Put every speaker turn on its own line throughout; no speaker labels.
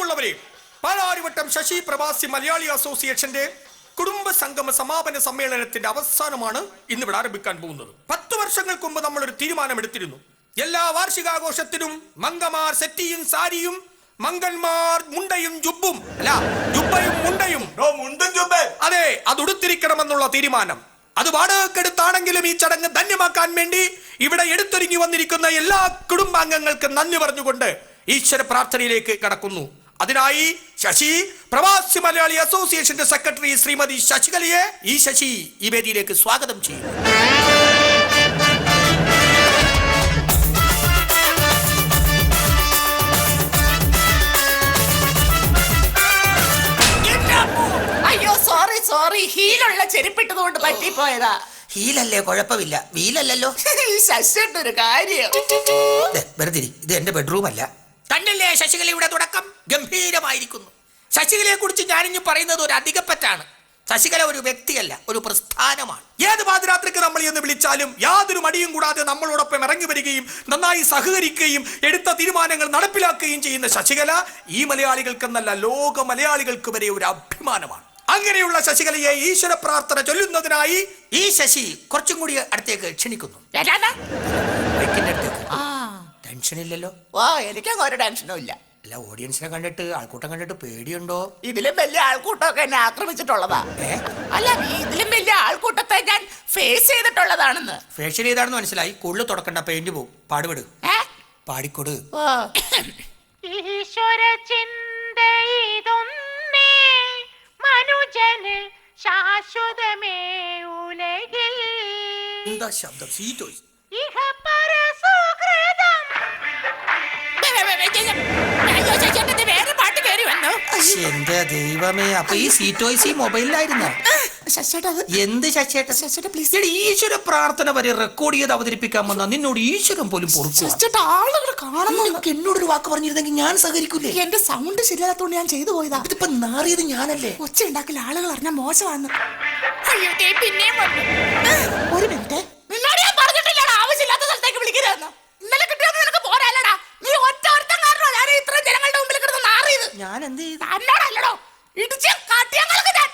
പ്രിയമുള്ളവരെ, പാലാരിവട്ടം ശശി പ്രവാസി മലയാളി അസോസിയേഷന്റെ കുടുംബ സംഗമ സമാപന സമ്മേളനത്തിന്റെ അവസാനമാണ് ഇന്നിവിടെ ആരംഭിക്കാൻ പോകുന്നത്. 10 വർഷങ്ങൾക്ക് മുമ്പ് നമ്മൾ ഒരു തീരുമാനമെടുത്തിരുന്നു. എല്ലാ വാർഷികാഘോഷത്തിനും മംഗമാർ സെറ്റിയും സാരിയും, മംഗന്മാർ മുണ്ടയും ജുബും അല്ല ജുബയും മുണ്ടയും അതെ അത് ഉടുത്തിരിക്കണമെന്നുള്ള തീരുമാനം. അത് വാടകക്കെടുത്താണെങ്കിലും ഈ ചടങ്ങ് ധന്യമാക്കാൻ വേണ്ടി ഇവിടെ എടുത്തൊരുങ്ങി വന്നിരിക്കുന്ന എല്ലാ കുടുംബാംഗങ്ങൾക്കും നന്ദി പറഞ്ഞുകൊണ്ട് ഈശ്വര പ്രാർത്ഥനയിലേക്ക് കടക്കുന്നു. അതിനായി ശശി പ്രവാസി മലയാളി അസോസിയേഷന്റെ സെക്രട്ടറി ശ്രീമതി ശശികലയെ ശശി ഈ വേദിയിലേക്ക് സ്വാഗതം ചെയ്യുന്നു.
അയ്യോ സോറി ഹീലുള്ള ചെരുപ്പിട്ടതുകൊണ്ട് പറ്റിപ്പോയതാ.
ഹീലല്ലേ, കുഴപ്പമില്ല. വീലല്ലോ.
ശശിയുടെ ഒരു കാര്യം
വെറുതെ ഇത് എന്റെ ബെഡ്റൂം അല്ല. കണ്ടല്ലേ ശശികലയുടെ തുടക്കം ഗംഭീരമായിരിക്കുന്നു. ശശികലയെ കുറിച്ച് ഞാനിഞ്ഞു പറയുന്നത് ഒരു അധികപ്പറ്റാണ്. ശശികല ഒരു വ്യക്തിയല്ല, ഒരു പ്രസ്ഥാനമാണ്. ഏത് പാതിരാത്രിക്ക് നമ്മൾ എന്ന് വിളിച്ചാലും യാതൊരു മടിയും കൂടാതെ നമ്മളോടൊപ്പം ഇറങ്ങി വരികയും നന്നായി സഹകരിക്കുകയും എടുത്ത തീരുമാനങ്ങൾ നടപ്പിലാക്കുകയും ചെയ്യുന്ന ശശികല ഈ മലയാളികൾക്കെന്നല്ല ലോക മലയാളികൾക്ക് വരെ ഒരു അഭിമാനമാണ്. അങ്ങനെയുള്ള ശശികലയെ ഈശ്വര പ്രാർത്ഥന ചൊല്ലുന്നതിനായി ഈ ശശി കുറച്ചും കൂടി അടുത്തേക്ക് ക്ഷണിക്കുന്നു. ടെൻഷനില്ലല്ലോ.
എനിക്കങ്ങ് ഒരു ടെൻഷനും ഇല്ല.
അല്ല, ഓഡിയൻസിനെ കണ്ടിട്ട് ആൾക്കൂട്ടം കണ്ടിട്ട് പേടിയുണ്ടോ?
ഇതിലും വലിയ ആൾക്കൂട്ടമൊക്കെ എന്നെ ആക്രമിച്ചിട്ടുള്ളതാ. അല്ല, ഇതിലും വലിയ ആൾക്കൂട്ടത്തെ ഞാൻ ഫേസ് ചെയ്തിട്ടുള്ളതാണെന്ന്.
ഫേസ് ചെയ്താണെന്ന് മനസ്സിലായി. കൂടുതൽ തുടക്കണ്ട, പെയിന്റ് പോവും. പാടുപെട്, പാടിക്കൊടു.
ഈശ്വര ചിന്തയിതൊന്നേ മനുജന് ശാശ്വതമേ ഉലകിൽ.
എന്താ ശബ്ദം? സീറ്റോയി
വേറെ പാട്ട് കയറി വന്നു.
എന്റെ ദൈവമേ, അപ്പൊ ഈ സീറ്റോയ്സ് ഈ മൊബൈലിലായിരുന്നോ? എന്ത് ശശിയേട്ട പ്ലീസ്, ഈശ്വര പ്രാർത്ഥന വരെ റെക്കോർഡ് ചെയ്ത് അവതരിപ്പിക്കാൻ വന്ന നിന്നോട് ഈശ്വരൻ പോലും പൊറുക്കും.
ആളുകൾ കാണുന്നു.
എന്നോടൊരു വാക്ക് പറഞ്ഞിരുന്നെങ്കിൽ ഞാൻ സഹകരിക്കൂലേ?
എന്റെ സൗണ്ട് ശരിയാത്തോണ്ട് ഞാൻ ചെയ്തു പോയതാ.
ഇതിപ്പോ നാറിയത് ഞാനല്ലേ.
ഒച്ച ഉണ്ടാക്കൽ ആളുകൾ അറിഞ്ഞാൽ മോശമാണ്. പിന്നെയും ഒരു മിനിറ്റ്, നിന്നോട് ഞാൻ പറഞ്ഞിട്ടില്ലടാ ആവശ്യമില്ലാത്ത സ്ഥലത്തേക്ക് വിളിക്കരുതെന്ന്. ഇന്നലെ കിട്ടിയത് നിനക്ക് പോരാല്ലടാ. നീ ഒറ്റ ഒരുത്തൻ കാരണോ ഞാൻ ഇത്രയും ജനങ്ങളുടെ മുമ്പിൽ കിടന്ന് നാറിയത്.
ഞാൻ എന്ത് ചെയ്തു?
തന്നോടല്ലടോ, ഇടിച്ച് കാട്ടിയങ്ങൾക്ക് ഞാൻ.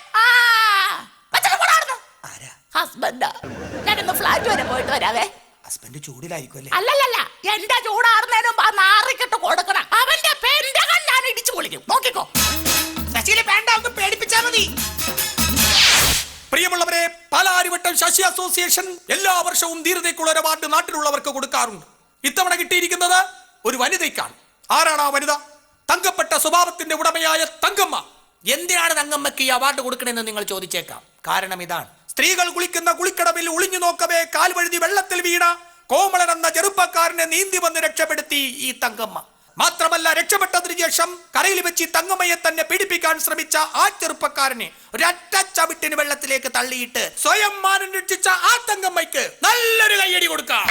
ഹസ്ബൻഡാ. ഞാനൊന്ന് ഫ്ലാറ്റ് വരെ പോയിട്ട് വരാവേ.
ഹസ്ബൻഡ് ചൂടിലായിരിക്കും അല്ലേ?
അല്ലല്ല, എന്റെ ചൂടാറുന്നതിന് മുമ്പ് ആ നാറിക്കിട്ട് കൊടുക്കണം. അവന്റെ പെന്തകൾ ഞാൻ ഇടിച്ചു പൊളിക്കും. നോക്കിക്കോ.
ശശിയിലെ പേണ്ട ഒന്ന് പേടിപ്പിച്ചാ മതി. പ്രിയമുള്ളവരെ, പാലാരിവട്ടം ശശി അസോസിയേഷൻ എല്ലാ വർഷവും ധീരതയ്ക്കുള്ള ഒരു അവാർഡ് നാട്ടിലുള്ളവർക്ക് കൊടുക്കാറുണ്ട്. ഇത്തവണ കിട്ടിയിരിക്കുന്നത് ഒരു വനിതയ്ക്കാണ്. ആരാണ് ആ വനിത? തങ്കപ്പെട്ട സ്വഭാവത്തിന്റെ ഉടമയായ തങ്കമ്മ. എന്തിനാണ് തങ്കമ്മയ്ക്ക് ഈ അവാർഡ് കൊടുക്കണമെന്ന് നിങ്ങൾ ചോദിച്ചേക്കാം. കാരണം ഇതാണ്. സ്ത്രീകൾ കുളിക്കുന്ന കുളിക്കടവിൽ ഒളിഞ്ഞു നോക്കവേ കാൽവഴുതി വെള്ളത്തിൽ വീണ കോമളൻ എന്ന ചെറുപ്പക്കാരനെ നീന്തി വന്ന് രക്ഷപ്പെടുത്തി ഈ തങ്കമ്മ. മാത്രമല്ല, രക്ഷപ്പെട്ടതിനു ശേഷം കരയിൽ വെച്ച് തങ്കമ്മയെ തന്നെ പീഡിപ്പിക്കാൻ ശ്രമിച്ച ആ ചെറുപ്പക്കാരനെ ഒരൊറ്റ ചവിട്ടിന് വെള്ളത്തിലേക്ക് തള്ളിയിട്ട് സ്വയം മാനം രക്ഷിച്ച ആ തങ്കമ്മയ്ക്ക് നല്ലൊരു കയ്യടി കൊടുക്കാം.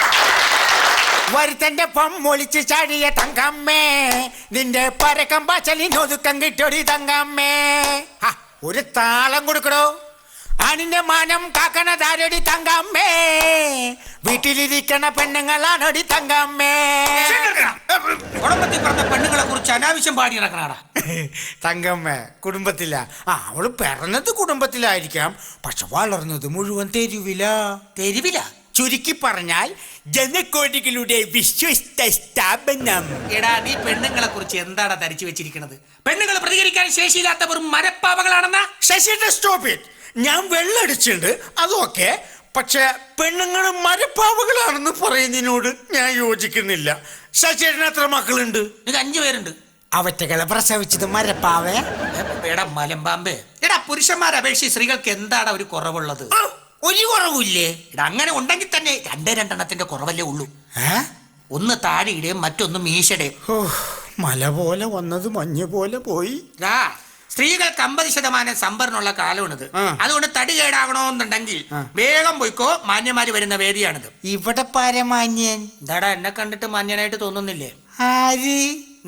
വരുത്തന്റെ പൊമ്മൊളിച്ച് ചാടിയ തങ്കമ്മേ, നിന്റെ പരക്കം പാച്ചലിനൊതുക്കം കിട്ടൊടി തങ്കമ്മേ. ഒരു താളം കൊടുക്കടോ. അണിന്റെ മാനം കാക്കണതാരടി തങ്കമ്മേ, വീട്ടിലിരിക്കണ പെണ്ണുങ്ങളാണോടി തങ്കമ്മേ.
കുടുംബത്തിൽ പറഞ്ഞ പെണ്ണുങ്ങളെ കുറിച്ച് അനാവശ്യം പാടി നടക്കണാടാ.
തങ്കമ്മ കുടുംബത്തില. അവള് പിറന്നത് കുടുംബത്തിലായിരിക്കാം, പക്ഷെ വളർന്നത് മുഴുവൻ തെരുവില. ചുരുക്കി പറഞ്ഞാൽ ജനകോടികളുടെ വിശ്വസ്ത സ്ഥാപനം.
എടാ, നീ പെണ്ണുങ്ങളെ കുറിച്ച് എന്താണ് ധരിച്ചു വെച്ചിരിക്കുന്നത്? പെണ്ണുങ്ങൾ പ്രതികരിക്കാൻ ശേഷിയില്ലാത്തവർ മരപ്പാവകളാണെന്നാ?
ശശിയുടെ സ്റ്റോപ്പ് ഇറ്റ്. ഞാൻ വെള്ളടിച്ചിട്ടുണ്ട്, അതൊക്കെ. പക്ഷെ പെണ്ണുങ്ങൾ മരപ്പാവകളാണെന്ന് പറയുന്നതിനോട് ഞാൻ യോജിക്കുന്നില്ല. ശശിയേട്ടന് എത്ര മക്കളുണ്ട്?
ഇത് 5 പേരുണ്ട്.
അവറ്റകളെ പ്രസവിച്ചത് മരപ്പാവേ?
എടാ മലമ്പാമ്പേ, എടാ പുരുഷന്മാരെ അപേക്ഷിച്ച് സ്ത്രീകൾക്ക് എന്താണ് ഒരു കുറവുള്ളത്?
ഒരു കുറവില്ലേ?
എടാ അങ്ങനെ ഉണ്ടെങ്കിൽ തന്നെ 2 കുറവല്ലേ ഉള്ളൂ. ഒന്ന് താടിയുടെയും മറ്റൊന്ന് മീശയുടെയും.
മല പോലെ വന്നത് മഞ്ഞ് പോലെ പോയി.
സ്ത്രീകൾക്ക് 50% സംഭരണമുള്ള കാലമാണിത്. അതുകൊണ്ട് തടി കേടാകണമെന്നുണ്ടെങ്കിൽ വേഗം പോയിക്കോ. മാന്യന്മാര് വരുന്ന വേദിയാണിത്.
ഇവിടെ പരമാന്യൻ
എന്താടാ, എന്നെ കണ്ടിട്ട് മാന്യനായിട്ട് തോന്നുന്നില്ലേ?
ആര്?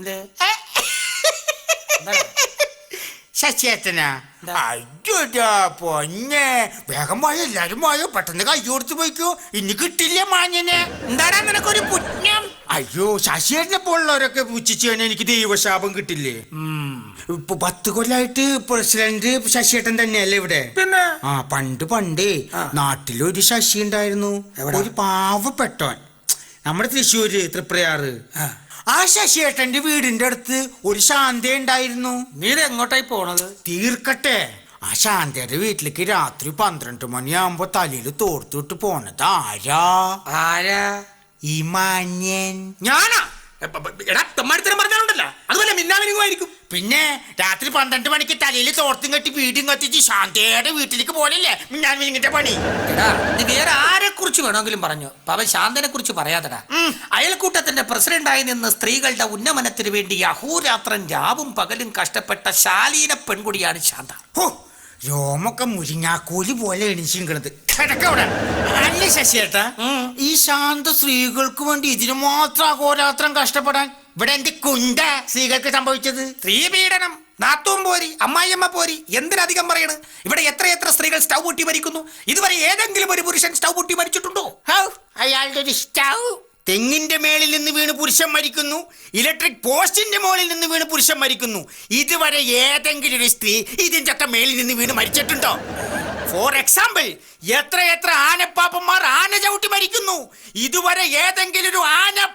എന്ത്
ശശിയേട്ടനാ? അയ്യോടാ പൊന്നെ, വേഗം പോയോ, എല്ലാരും പോയോ, പെട്ടെന്ന് കൈ കൊടുത്ത് പോയിക്കോ. ഇനി കിട്ടില്ല മാന്യനെ.
എന്താടാ നിനക്കൊരു പുണ്യം?
അയ്യോ, ശശിയേട്ടനെ പോലുള്ളവരൊക്കെ പുച്ഛിച്ചു എനിക്ക് ദൈവശാപം കിട്ടില്ലേ? ഇപ്പൊ 10 കൊല്ലായിട്ട് പ്രസിഡന്റ് ശശിയേട്ടൻ തന്നെയല്ലേ ഇവിടെ?
പിന്നെ
പണ്ട് നാട്ടിലൊരു ശശി ഉണ്ടായിരുന്നു, ഒരു പാവപ്പെട്ടവൻ, നമ്മുടെ തൃശ്ശൂര് തൃപ്രയാറ്. ആ ശശിയേട്ടന്റെ വീടിന്റെ അടുത്ത് ഒരു ശാന്ത ഉണ്ടായിരുന്നു.
നീ എങ്ങോട്ടായി പോണത്?
തീർക്കട്ടെ. ആ ശാന്തയുടെ വീട്ടിലേക്ക് രാത്രി 12 മണിയാകുമ്പോ തലയിൽ തോർത്തിട്ട് പോണത് ആരാ? ഈ മാന്യൻ.
ഞാനാ? എടാ തെമ്മാടിത്തരം പറഞ്ഞാലുണ്ടല്ലോ, അതുപോലെ മിന്നാമിനിങ്ങുമായിരിക്കും.
പിന്നെ രാത്രി 12 മണിക്ക് തലയിൽ തോർത്തും കെട്ടി വീടും കത്തിച്ച് ശാന്തയുടെ വീട്ടിലേക്ക് പോലല്ലേ ഞാൻ വിളിങ്ങിന്റെ പണി.
എടാ നീ വേറെ ആരെ കുറിച്ച് വേണമെങ്കിലും പറഞ്ഞു, അവൻ ശാന്തനെ കുറിച്ച് പറയാതടാ. അയൽക്കൂട്ടത്തിന്റെ പ്രസിഡന്റായി നിന്ന് സ്ത്രീകളുടെ ഉന്നമനത്തിന് വേണ്ടി അഹോരാത്രം രാവും പകലും കഷ്ടപ്പെട്ട ശാലീന പെൺകുടിയാണ് ശാന്ത.
രോമൊക്കെ മുരിങ്ങാക്കോലി പോലെ എണിച്ചിരിക്കണത്. അല്ല ശശിയേട്ടാ, ഈ ശാന്ത സ്ത്രീകൾക്ക് വേണ്ടി ഇതിനു മാത്രം അഹോരാത്രം കഷ്ടപ്പെടാൻ ഇവിടെ എന്ത് കുണ്ട സ്ത്രീകൾക്ക് സംഭവിച്ചത്?
സ്ത്രീപീഡനം, നാത്തൂൻ പോരി, അമ്മായിയമ്മ പോരി, എന്തിനധികം പറയണ്? ഇവിടെ എത്രയെത്ര സ്ത്രീകൾ സ്റ്റൗ പൊട്ടി മരിക്കുന്നു. ഇതുവരെ ഏതെങ്കിലും ഒരു പുരുഷൻ സ്റ്റൗ പൊട്ടി മരിച്ചിട്ടുണ്ടോ?
അയാളുടെ ഒരു സ്റ്റൗ തെങ്ങിന്റെ മേളിൽ നിന്ന് വീണ് പുരുഷൻ മരിക്കുന്നു, ഇലക്ട്രിക് പോസ്റ്റിന്റെ മുകളിൽ നിന്ന് വീണ് പുരുഷൻ മരിക്കുന്നു. ഇതുവരെ ഏതെങ്കിലും ഒരു സ്ത്രീ ഇതിന്റെ ഒക്കെ മേളിൽ നിന്ന് വീണ് മരിച്ചിട്ടുണ്ടോ? ഫോർ എക്സാമ്പിൾ, എത്ര ആനപ്പാപ്പന്മാർ ആന ചവിട്ടി മരിക്കുന്നു. ഇതുവരെ ഏതെങ്കിലും ഒരു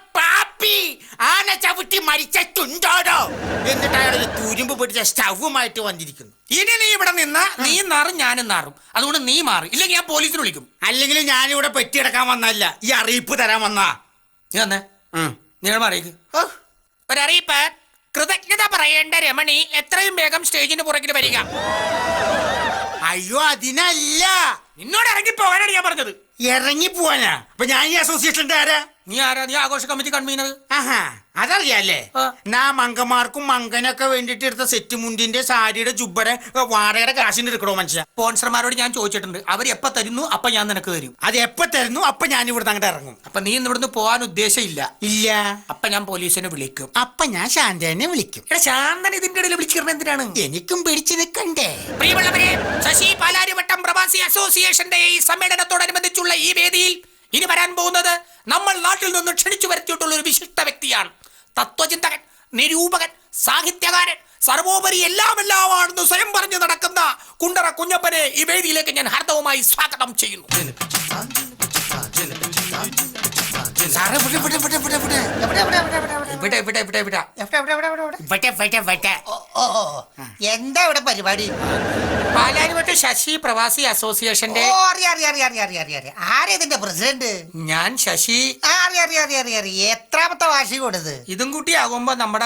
ആന ചവിട്ടി മരിച്ചിട്ടുണ്ടോ? എന്നിട്ട് അയാൾ ഒരു തുരുമ്പ് പിടിച്ച സ്റ്റൗവുമായിട്ട് വന്നിരിക്കുന്നു.
ഇനി നീ ഇവിടെ നിന്നാ നീ നാറും ഞാനും നാറും. അതുകൊണ്ട് നീ മാറി, ഇല്ലെങ്കിൽ ഞാൻ പോലീസിന് വിളിക്കും.
അല്ലെങ്കിൽ ഞാനിവിടെ പെറ്റിയെടുക്കാൻ വന്നല്ല, ഈ അറിയിപ്പ് തരാൻ വന്നാ.
നീ വന്നേ, നിങ്ങൾ മാറിയേക്ക്. ഒരറിയിപ്പ്. കൃതജ്ഞത പറയേണ്ട രമണി എത്രയും വേഗം സ്റ്റേജിന് പുറകിൽ വരിക.
അയ്യോ, അതിനല്ല,
നിന്നോട് ഇറങ്ങി പോകാനാണ് ഞാൻ പറഞ്ഞത്.
ഇറങ്ങി പോവാനാ? അപ്പൊ ഞാൻ ഈ അസോസിയേഷന്റെ ആരാ?
നീ ആരാ? നീ ആഘോഷ കമ്മിറ്റി കൺവീനർ.
അതറിയാല്ലേ? ഞാൻ മങ്കമാർക്കും മങ്കനൊക്കെ വേണ്ടിട്ട് എടുത്ത സെറ്റ് മുണ്ടിന്റെ സാരിയുടെ ജുബ്ബയുടെ വാടകയുടെ കാശിന് എടുക്കണോ മനുഷ്യ?
സ്പോൺസർമാരോട് ഞാൻ ചോദിച്ചിട്ടുണ്ട്, അവർ എപ്പ തരുന്നു അപ്പൊ ഞാൻ നിനക്ക് തരും.
അത് എപ്പ തരുന്നു അപ്പൊ ഞാൻ ഇവിടുന്ന് അങ്ങോട്ട് ഇറങ്ങും.
അപ്പൊ നീ ഇവിടുന്ന് പോകാൻ ഉദ്ദേശമില്ല?
ഇല്ല.
അപ്പൊ ഞാൻ പോലീസിനെ വിളിക്കും.
അപ്പൊ ഞാൻ ശാന്തനെ വിളിക്കും.
എടാ ശാന്തൻ ഇതിന്റെ ഇടയിൽ വിളിച്ചിരുന്ന എന്തിനാണ്?
എനിക്കും പിടിച്ചു നിൽക്കണ്ടേ?
പ്രിയമുള്ളവരെ, ശശി പാലാരിവട്ടം പ്രവാസി അസോസിയേഷന്റെ ഈ സമ്മേളനത്തോടനുബന്ധിച്ചുള്ള ഈ വേദിയിൽ ഇനി വരാൻ പോകുന്നത് നമ്മൾ നാട്ടിൽ നിന്ന് ക്ഷണിച്ചു വരുത്തിയിട്ടുള്ള ഒരു വിശിഷ്ട വ്യക്തിയാണ്. തത്വചിന്തകൻ, നിരൂപകൻ, സാഹിത്യകാരൻ, സർവോപരി എല്ലാമെല്ലാമാണെന്ന് സ്വയം പറഞ്ഞു നടക്കുന്ന കുണ്ടറ കുഞ്ഞപ്പനെ ഈ വേദിയിലേക്ക് ഞാൻ ഹാർദവമായി സ്വാഗതം ചെയ്യുന്നു.
എന്താ ഇവിടെ പരിപാടി?
പാലാരിവട്ടം ശശി പ്രവാസി അസോസിയേഷന്റെ
ആരേതിന്റെ പ്രസിഡന്റ്?
ഞാൻ ശശി.
എത്രാമത്തെ വാർഷികം കൊടുത്ത്?
ഇതും കൂട്ടിയാകുമ്പോ നമ്മുടെ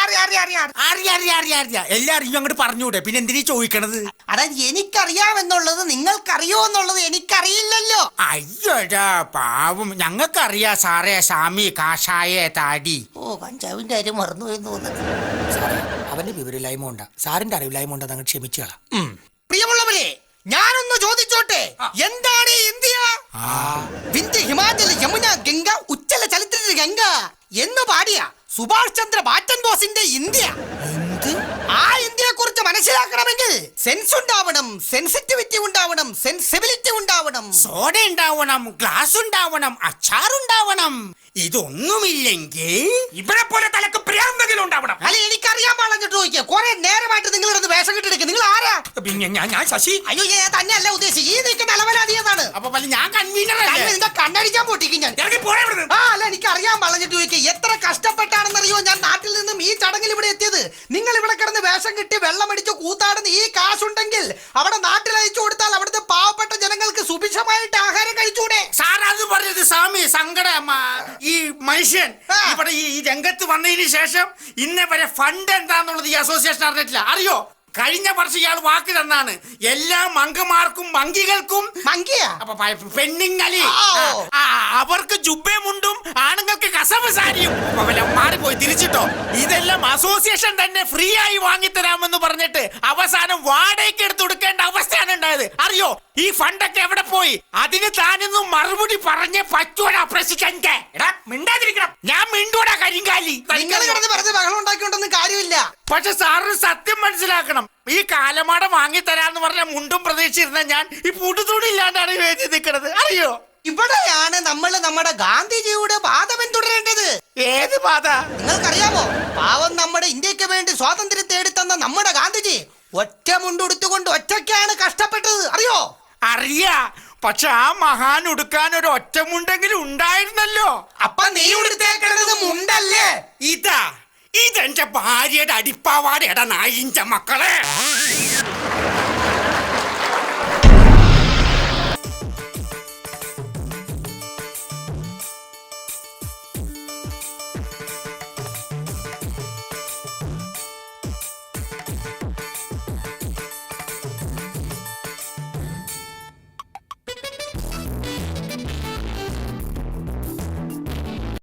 എല്ലാരും അങ്ങോട്ട് പറഞ്ഞൂടെ, പിന്നെ എന്തിനീ ചോദിക്കണത്?
അതായത് എനിക്കറിയാമെന്നുള്ളത് നിങ്ങൾക്കറിയോ എന്നുള്ളത് എനിക്കറിയില്ലല്ലോ.
അയ്യോടാ പാവം, ഞങ്ങൾക്കറിയാ സാറേ. സ്വാമി കാഷായ താടി.
കഞ്ചാവിന്റെ കാര്യം മറന്നുപോയെന്ന് തോന്നുന്നു.
അവന്റെ വിവരമില്ലായ്മ ഉണ്ടാ, സാറിന്റെ അറിവില്ലായ്മ ഉണ്ടാ, അങ്ങ് ക്ഷമിച്ചുകളാം.
പ്രിയമുള്ളവരെ, ഞാനൊന്ന് ചോദിച്ചോട്ടെ, എന്താണ് ഈ ഇന്ത്യ? വിന്ധ്യ, ഹിമാചൽ, യമുന, ഗംഗ, ഉജ്ജല ചലിത്ര ഗംഗ എന്ന് പാടിയ സുഭാഷ് ചന്ദ്ര ബാറ്റൻ ബോസിന്റെ ഇന്ത്യ. ആ ഇന്ത്യയെ കുറിച്ച് മനസ്സിലാക്കണമെങ്കിൽ സെൻസ് ഉണ്ടാവണം, സെൻസിറ്റിവിറ്റി ഉണ്ടാവണം, സെൻസിബിലിറ്റി ഉണ്ടാവണം,
സോഡ ഉണ്ടാവണം, ഗ്ലാസ് ഉണ്ടാവണം, അച്ചാറുണ്ടാവണം. ഇതൊന്നുമില്ലെങ്കിൽ
ഇവരെ പോലെ തലക്ക് പ്രാന്തെങ്കിലും ഉണ്ടാവണം.
അല്ലെ എനിക്കറിയാൻ പാടിട്ട് ചോദിക്കുക. കുറെ നേരമായിട്ട് നിങ്ങളിടന്ന് വേഷം കിട്ടിയെടുക്കുക. നിങ്ങൾ ആരാ?
പിന്നെ ഞാൻ ശശി.
അയ്യോ, ഞാൻ തന്നെയല്ല ഉദ്ദേശിച്ചത്. ഈ നിൽക്കുന്ന അലവലാതിയതാണ്.
അപ്പൊ ഞാൻ കൺവീനർ
നിന്റെ കണ്ണടിക്കാൻ പൊട്ടിക്കും ഞാൻ.
ഇറങ്ങി പോരാ ഇവിടുന്ന്.
അല്ല, എനിക്ക് അറിയാൻ പറഞ്ഞിട്ട് ചോദിക്കുക. എത്ര കഷ്ടപ്പെട്ടാണെന്നറിയോ ഞാൻ നാട്ടിൽ നിന്നും ഈ ചടങ്ങിൽ ഇവിടെ എത്തിയത്. നിങ്ങൾ ഇവിടെ കിടന്ന് വേഷം കിട്ടി വെള്ളമടിച്ച് കൂത്താടുന്ന ഈ കാശുണ്ടെങ്കിൽ അവിടെ നാട്ടിൽ അയച്ചു കൊടുത്താൽ അവിടുത്തെ പാവപ്പെട്ട ജനങ്ങൾക്ക് സുഭിക്ഷമായിട്ട് ആഹാരം കഴിച്ചൂടെ?
സാർ അത് പറഞ്ഞത് സ്വാമി സങ്കടം. ഈ മനുഷ്യൻ ഇവിടെ ഈ രംഗത്ത് വന്നതിന് ശേഷം ഇന്നേ വരെ ഫണ്ട് എന്താന്നുള്ളത് ഈ അസോസിയേഷൻ അറിഞ്ഞിട്ടില്ല. അറിയോ? കഴിഞ്ഞ വർഷം ഇയാൾ വാക്ക് തന്നാണ് എല്ലാ മങ്കമാർക്കും മങ്കികൾക്കും പെണ്ണുങ്ങളി അവർക്ക് ജുബേമുണ്ടും ആണുങ്ങൾക്ക് കസവ് സാരിയും മാറിപ്പോയി തിരിച്ചിട്ടോ. ഇതെല്ലാം അസോസിയേഷൻ തന്നെ ഫ്രീ ആയി വാങ്ങിത്തരാമെന്ന് പറഞ്ഞിട്ട് അവസാനം വാടകയ്ക്ക് എടുത്ത് കൊടുക്കേണ്ട അവസ്ഥയാണ് ഉണ്ടായത്. അറിയോ? ഈ ഫണ്ടൊക്കെ എവിടെ പോയി? അതിന് താനൊന്നും മറുപടി പറഞ്ഞേ പറ്റൂടാ പ്രസിഡന്റ്.
മിണ്ടാതിരിക്കണം.
ഞാൻ മിണ്ടൂടാ കരിങ്കാലി.
നിങ്ങൾ കിടന്ന് വെറുതെ ബഹളം ഉണ്ടാക്കിക്കൊണ്ടൊന്നും കാര്യമില്ല.
പക്ഷെ സാറിന് സത്യം മനസ്സിലാക്കണം. ഈ കാലമാട വാങ്ങിത്തരാന്ന് പറഞ്ഞ മുണ്ടും പ്രതീക്ഷിച്ചിരുന്ന ഞാൻ ഈ പൂട്ടുതൂടി ഇല്ലാണ്ടാണ് വേദി നിൽക്കുന്നത്. അറിയോ?
ഇവിടെയാണ് നമ്മൾ നമ്മുടെ ഗാന്ധിജിയുടെ വാദം പിന്തുടരേണ്ടത്.
ഏത് പാത?
നിങ്ങൾക്കറിയാമോ പാവം നമ്മുടെ ഇന്ത്യക്ക് വേണ്ടി സ്വാതന്ത്ര്യം തേടിത്തന്ന നമ്മുടെ ഗാന്ധിജി ഒറ്റ മുണ്ടുടുത്തുകൊണ്ട് ഒറ്റയ്ക്കാണ് കഷ്ടപ്പെട്ടത്, അറിയോ?
അറിയാ, പക്ഷെ ആ മഹാൻ ഉടുക്കാൻ ഒരു ഒറ്റമുണ്ടെങ്കിലും ഉണ്ടായിരുന്നല്ലോ.
അപ്പൊ നീ ഉടുത്തേക്കുന്നത് മുണ്ടല്ലേ?
ഇതെന്റെ ഭാര്യയുടെ അടിപ്പാവാടയുടെ നായിന്റെ മക്കളെ.